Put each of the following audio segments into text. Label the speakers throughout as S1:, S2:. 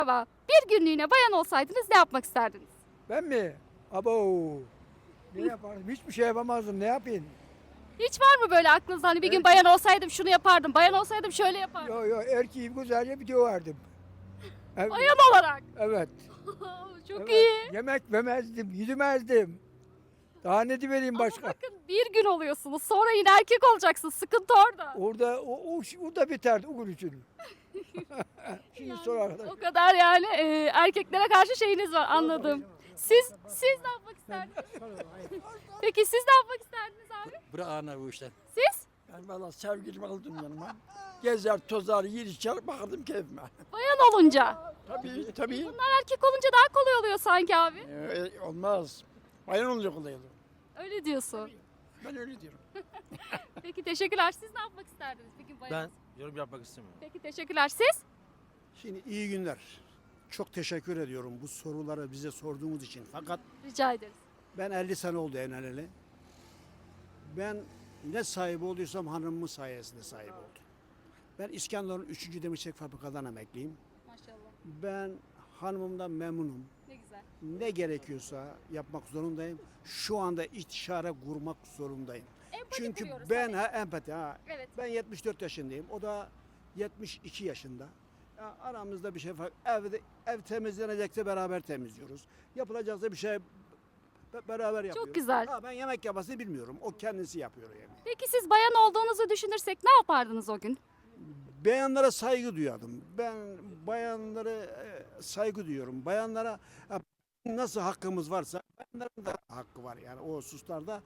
S1: Merhaba. Bir günlüğüne bayan olsaydınız ne yapmak isterdiniz?
S2: Ben mi? Abo. Ne yapardım? Hiçbir şey yapamazdım. Ne yapayım?
S1: Hiç var mı böyle aklınızda hani bir gün bayan olsaydım şunu yapardım, bayan olsaydım şöyle yapardım.
S2: Yo yo erkeğim güzelce bir döverdim. Evet.
S1: Bayan olarak.
S2: Evet.
S1: Çok
S2: evet.
S1: iyi.
S2: Yemek yemezdim, yüzmezdim. Daha ne vereyim başka?
S1: Ama bakın bir gün oluyorsunuz sonra yine erkek olacaksınız. Sıkıntı orada.
S2: Orada o da biterdi o gün için. Şimdi sor arkadaş.
S1: O kadar yani erkeklere karşı şeyiniz var anladım. Siz ne yapmak isterdiniz? Peki siz ne yapmak isterdiniz abi?
S3: Bırak ana bu işten.
S1: Siz?
S3: Ben valla sevgilimi aldım yanıma. Gezer, tozar, yer içer, bakardım keyfime.
S1: Bayan olunca.
S3: Tabii.
S1: Bunlar erkek olunca daha kolay oluyor sanki abi.
S3: Olmaz. Bayan olunca kolay olur.
S1: Öyle diyorsun.
S3: Ben öyle diyorum.
S1: Peki teşekkürler. Siz ne yapmak isterdiniz? Peki bayan.
S4: Ben yorum yapmak istemiyorum.
S1: Peki teşekkürler. Siz?
S5: Şimdi iyi günler. Çok teşekkür ediyorum bu soruları bize sorduğunuz için. Fakat
S1: Rica ederiz.
S5: ben 50 sene oldu evleneli. Ben ne sahibi olduysam hanımımın sayesinde sahip oldum. Ben İskenderun 3. Demirçelik Fabrikadan emekliyim.
S1: Maşallah.
S5: Ben hanımımdan memnunum.
S1: Ne güzel.
S5: Ne gerekiyorsa yapmak zorundayım. Şu anda istişare kurmak zorundayım.
S1: Empati
S5: Çünkü
S1: kuruyoruz
S5: ben
S1: tabii.
S5: empati
S1: Evet.
S5: ben 74 yaşındayım. O da 72 yaşında. Ya aramızda bir şey fark. Ev temizlenecekse beraber temizliyoruz. Yapılacaksa bir şey beraber yapıyoruz.
S1: güzel.
S5: Ben yemek yapmasını bilmiyorum. O kendisi yapıyor yani.
S1: Peki siz bayan olduğunuzu düşünürsek ne yapardınız o gün?
S5: Bayanlara saygı duyardım. Ben bayanlara saygı duyuyorum. Bayanlara nasıl hakkımız varsa bayanların da hakkı var yani o hususlarda.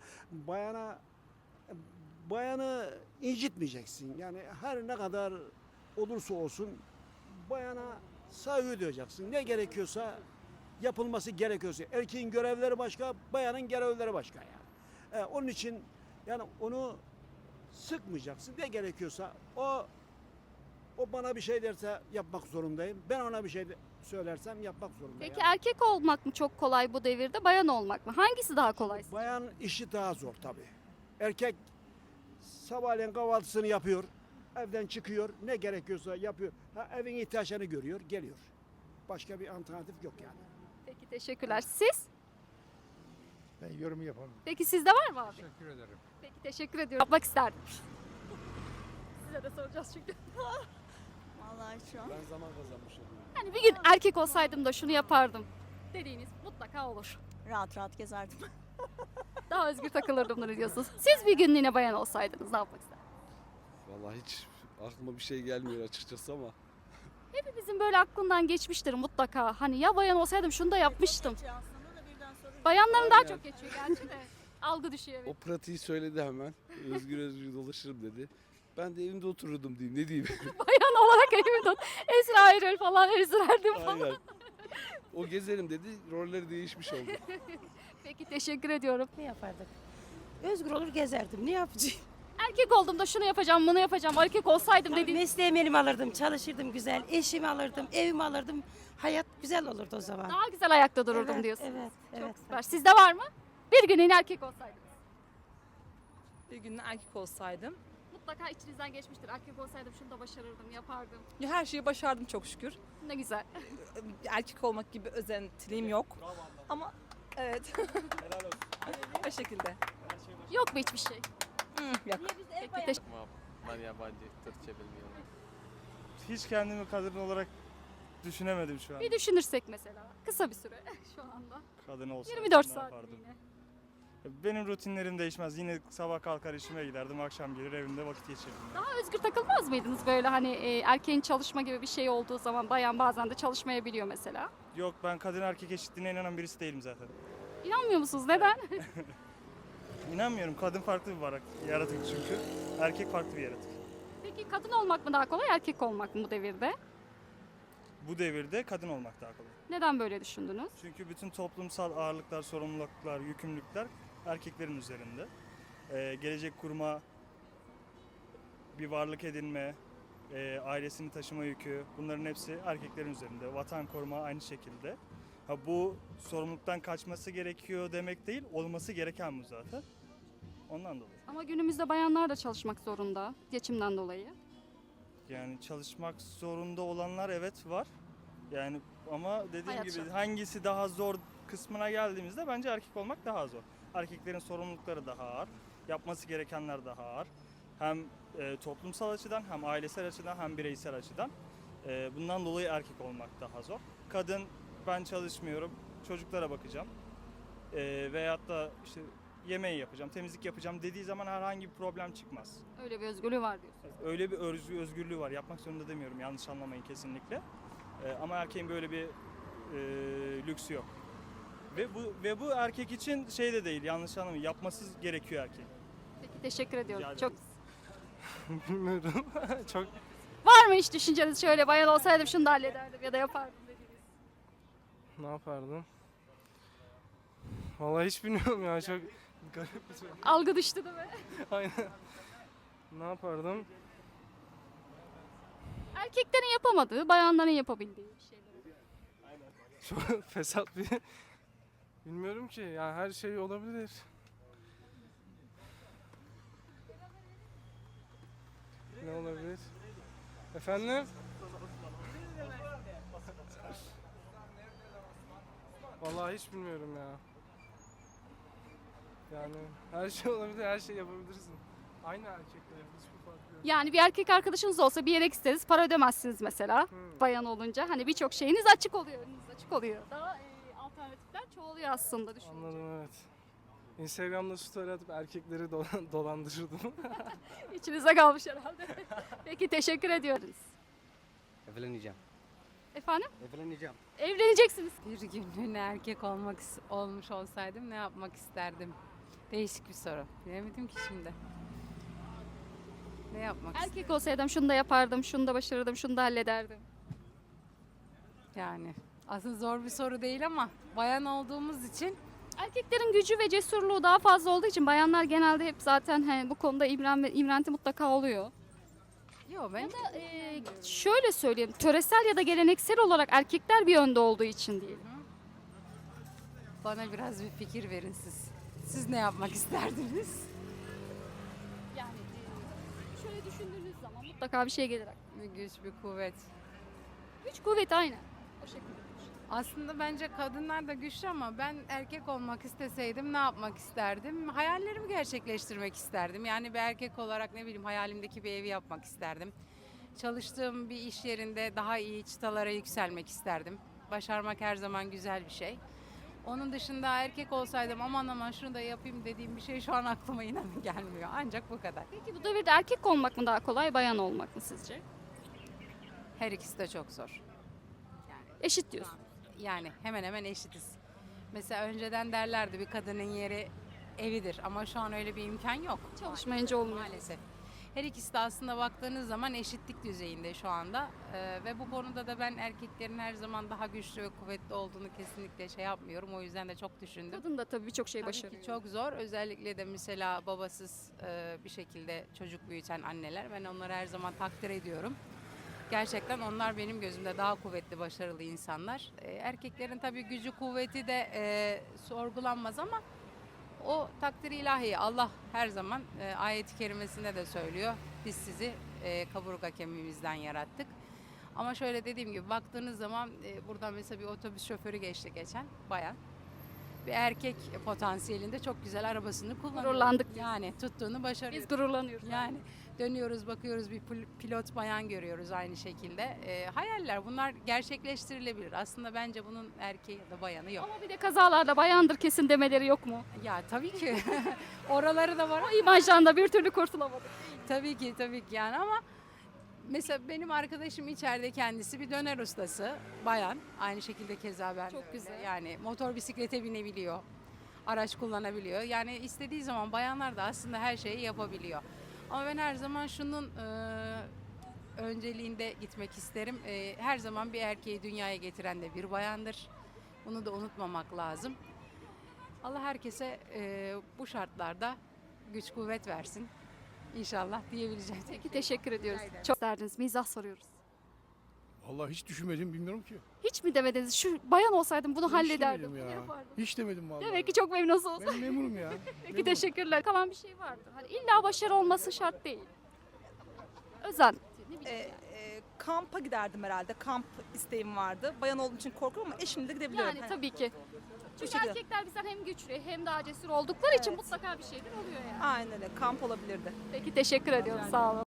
S5: Bayanı incitmeyeceksin. Yani her ne kadar olursa olsun bayana saygı duyacaksın. Ne gerekiyorsa yapılması gerekiyorsa. Erkeğin görevleri başka, bayanın görevleri başka yani. Onun için yani onu sıkmayacaksın. Ne gerekiyorsa o bana bir şey derse yapmak zorundayım. Ben ona bir şey söylersem yapmak zorundayım.
S1: Peki erkek olmak mı çok kolay bu devirde, bayan olmak mı? Hangisi daha kolay?
S5: Bayan işi daha zor tabii. Erkek sabahleyin kahvaltısını yapıyor. Evden çıkıyor. Ne gerekiyorsa yapıyor. Evin ihtiyaçlarını görüyor, geliyor. Başka bir alternatif yok yani.
S1: Peki teşekkürler. Siz?
S2: Ben yorum yapamam.
S1: Peki sizde var mı abi?
S2: Teşekkür ederim.
S1: Peki teşekkür ediyorum. Yapmak isterdim. Size de soracağız çünkü.
S6: Vallahi şu an.
S3: Ben zaman kazanmışım.
S1: Hani bir gün erkek olsaydım da şunu yapardım dediğiniz mutlaka olur.
S6: Rahat rahat gezerdim.
S1: Daha özgür takılırdım bunu diyorsunuz. Siz bir günlüğüne bayan olsaydınız ne yapmak isterdiniz?
S7: Vallahi hiç aklıma bir şey gelmiyor açıkçası ama
S1: Hepimizin böyle aklından geçmiştir mutlaka. Hani ya bayan olsaydım şunu da yapmıştım.
S6: Geçiyor aslında da birden sonra.
S1: Bayanların daha
S7: Aynen.
S1: çok geçiyor gerçi de. Algı düşüyor.
S7: o pratiği söyledi hemen. Özgür özgür dolaşırım dedi. Ben de evimde otururdum diyeyim. Ne diyeyim?
S1: Bayan olarak evimde Esra Erol falan ezberdim falan.
S7: Aynen. O gezerim dedi. Rolleri değişmiş oldu.
S1: Peki teşekkür ediyorum.
S8: Ne yapardık? Özgür olur gezerdim. Ne yapacağım?
S1: Erkek olduğumda şunu yapacağım, bunu yapacağım. Erkek olsaydım dediğiniz.
S8: Mesleğimi elime alırdım, çalışırdım güzel. Eşimi alırdım, evimi alırdım. Hayat güzel olurdu o zaman.
S1: Daha güzel ayakta dururdum
S8: Evet,
S1: diyorsun.
S8: Evet,
S1: Çok
S8: evet.
S1: süper. Sizde var mı? Bir günlüğüne erkek olsaydınız.
S9: Bir gün erkek olsaydım.
S1: Mutlaka içinizden geçmiştir. Erkek olsaydım şunu da başarırdım, yapardım.
S9: Ya her şeyi başardım çok şükür.
S1: Ne güzel.
S9: Erkek olmak gibi özentiliğim yok. Ama evet. O şekilde.
S1: Yok mu hiçbir şey?
S9: Yok.
S1: Peki teşekkür
S4: Ben yabancı Türkçe bilmiyorum.
S10: Hiç kendimi kadın olarak düşünemedim şu an.
S1: Bir düşünürsek mesela. Kısa bir süre şu anda.
S10: Kadın olsa
S1: 24
S10: ne
S1: saat
S10: yapardım?
S1: yine.
S10: Benim rutinlerim değişmez. Yine sabah kalkar işime giderdim, akşam gelir evimde vakit geçirirdim.
S1: Daha özgür takılmaz mıydınız böyle hani erkeğin çalışma gibi bir şey olduğu zaman bayan bazen de çalışmayabiliyor mesela.
S10: Yok, ben kadın erkek eşitliğine inanan birisi değilim zaten.
S1: İnanmıyor musunuz? Neden?
S10: İnanmıyorum. Kadın farklı bir yaratık çünkü. Erkek farklı bir yaratık.
S1: Peki kadın olmak mı daha kolay, erkek olmak mı bu devirde?
S10: Bu devirde kadın olmak daha kolay.
S1: Neden böyle düşündünüz?
S10: Çünkü bütün toplumsal ağırlıklar, sorumluluklar, yükümlülükler erkeklerin üzerinde. Gelecek kurma, bir varlık edinme, ailesini taşıma yükü, bunların hepsi erkeklerin üzerinde. Vatan koruma aynı şekilde. Bu sorumluluktan kaçması gerekiyor demek değil, olması gereken bu zaten. Ondan dolayı.
S1: Ama günümüzde bayanlar da çalışmak zorunda geçimden dolayı.
S10: Yani çalışmak zorunda olanlar evet var. Yani ama dediğim
S1: Hayat
S10: gibi
S1: şartı.
S10: hangisi daha zor kısmına geldiğimizde bence erkek olmak daha zor. Erkeklerin sorumlulukları daha ağır, yapması gerekenler daha ağır. Hem toplumsal açıdan, hem ailesel açıdan, hem bireysel açıdan. Bundan dolayı erkek olmak daha zor. Kadın, ben çalışmıyorum, çocuklara bakacağım. Veyahut da işte yemeği yapacağım, temizlik yapacağım dediği zaman herhangi bir problem çıkmaz.
S1: Öyle bir özgürlüğü var diyorsun.
S10: Öyle bir özgürlüğü var. Yapmak zorunda demiyorum, yanlış anlamayın kesinlikle. Ama erkeğin böyle bir lüksü yok. Ve bu erkek için şey de değil, yanlış anlamayın. Yapması gerekiyor erkeğin.
S1: Peki teşekkür ediyorum.
S10: Rica
S1: Çok
S10: Bilmiyorum. Çok
S1: var mı hiç düşünceniz şöyle bayan olsaydım şunu da hallederdim ya da yapardım dediğiniz?
S10: ne yapardım? Vallahi hiç bilmiyorum ya. Çok garip bir şey.
S1: Algı düştü değil mi?
S10: Aynen. Ne yapardım?
S1: Erkeklerin yapamadığı, bayanların yapabildiği bir şeyler.
S10: Çok fesat bir... Bilmiyorum ki. Yani her şey olabilir. Ne olabilir? Efendim? Vallahi hiç bilmiyorum ya. Yani her şey olabilir, her şey yapabilirsin. Aynı erkekler, hiçbir fark yok.
S1: Yani bir erkek arkadaşınız olsa bir yere gitseniz para ödemezsiniz mesela. Bayan olunca hani birçok şeyiniz açık oluyor, önünüz açık oluyor. Daha alternatifler çoğalıyor aslında düşününce.
S10: Anladım, evet. Instagram'da story atıp erkekleri dolandırırdım.
S1: İçinize kalmış herhalde. Peki teşekkür ediyoruz.
S7: Evleneceğim.
S1: Efendim?
S7: Evleneceğim.
S1: Evleneceksiniz.
S8: Bir günlüğüne erkek olmuş olsaydım ne yapmak isterdim? Değişik bir soru. Bilemedim ki şimdi. Ne yapmak
S1: Erkek olsaydım şunu da yapardım, şunu da başarırdım, şunu da hallederdim.
S8: Yani aslında zor bir soru değil ama bayan olduğumuz için
S1: Erkeklerin gücü ve cesurluğu daha fazla olduğu için bayanlar genelde hep zaten bu konuda imrenti mutlaka oluyor.
S8: yok ben
S1: Şöyle söyleyeyim, töresel ya da geleneksel olarak erkekler bir önde olduğu için değil.
S8: bana biraz bir fikir verin siz. Siz ne yapmak isterdiniz?
S1: Yani şöyle düşündüğünüz zaman mutlaka bir şey gelir aklına.
S8: Bir güç, bir kuvvet.
S1: Güç kuvvet aynen. O şekilde.
S8: Aslında bence kadınlar da güçlü ama ben erkek olmak isteseydim ne yapmak isterdim? Hayallerimi gerçekleştirmek isterdim. Yani bir erkek olarak ne bileyim hayalimdeki bir evi yapmak isterdim. Çalıştığım bir iş yerinde daha iyi çıtalara yükselmek isterdim. Başarmak her zaman güzel bir şey. Onun dışında erkek olsaydım aman şunu da yapayım dediğim bir şey şu an aklıma inanın gelmiyor. Ancak bu kadar.
S1: Peki bu devirde erkek olmak mı daha kolay, bayan olmak mı sizce?
S8: Her ikisi de çok zor.
S1: Eşit diyorsun.
S8: Yani hemen hemen eşitiz. Mesela önceden derlerdi bir kadının yeri evidir ama şu an öyle bir imkan yok.
S1: Çalışmayınca olmuyor.
S8: Maalesef. Her ikisi de aslında baktığınız zaman eşitlik düzeyinde şu anda. Ve bu konuda da ben erkeklerin her zaman daha güçlü ve kuvvetli olduğunu kesinlikle şey yapmıyorum. O yüzden de çok düşündüm.
S1: Kadın da tabii birçok şey
S8: Tabii
S1: başarıyor.
S8: ki çok zor. Özellikle de mesela babasız bir şekilde çocuk büyüten anneler. Ben onları her zaman takdir ediyorum. Gerçekten onlar benim gözümde daha kuvvetli, başarılı insanlar. Erkeklerin tabii gücü, kuvveti de sorgulanmaz ama o takdir ilahi. Allah her zaman ayet-i kerimesinde de söylüyor. Biz sizi kaburga kemiğimizden yarattık. Ama şöyle dediğim gibi baktığınız zaman buradan mesela bir otobüs şoförü geçti geçen bayan. Bir erkek potansiyelinde çok güzel arabasını kullanıyor.
S1: Gururlandık biz.
S8: Yani tuttuğunu başarıyor.
S1: Biz gururlanıyoruz.
S8: Yani dönüyoruz bakıyoruz bir pilot bayan görüyoruz aynı şekilde. Hayaller bunlar gerçekleştirilebilir. Aslında bence bunun erkeği ya da bayanı yok.
S1: Ama bir de kazalarda bayandır kesin demeleri yok mu?
S8: Ya tabii ki oraları da var.
S1: O imajdan da bir türlü kurtulamadık.
S8: Tabii ki yani ama mesela benim arkadaşım içeride kendisi bir döner ustası bayan. Aynı şekilde keza ben de
S1: Çok
S8: öyle.
S1: güzel.
S8: Yani motor bisiklete binebiliyor. Araç kullanabiliyor. Yani istediği zaman bayanlar da aslında her şeyi yapabiliyor. Ama ben her zaman şunun önceliğinde gitmek isterim. Her zaman bir erkeği dünyaya getiren de bir bayandır. Bunu da unutmamak lazım. Allah herkese bu şartlarda güç kuvvet versin. İnşallah diyebileceğim.
S1: Peki teşekkür ediyoruz. Çok isterdiniz. Mizah soruyoruz.
S2: Vallahi hiç düşünmedim, bilmiyorum ki.
S1: Hiç mi demediniz? Şu bayan olsaydım bunu
S2: Hiç
S1: hallederdim.
S2: demedim
S1: Bunu
S2: ya.
S1: yapardım.
S2: Hiç demedim vallahi.
S1: Demek ki çok memnunsunuz.
S2: Ben memurum ya.
S1: Peki teşekkürler. Kalan bir şey vardı. Hani illa başarı olması şart değil. Özen. Ne bileyim yani.
S9: kampa giderdim herhalde. Kamp isteğim vardı. Bayan olduğum için korkuyorum ama eşimle de gidebiliyorum.
S1: Yani tabii ki. Çünkü
S9: şekilde.
S1: erkekler bizden hem güçlü hem daha cesur oldukları için
S9: Evet.
S1: mutlaka bir şeyler oluyor yani.
S9: Aynen öyle. Kamp olabilirdi.
S1: Peki teşekkür ediyorum. Sağ olun.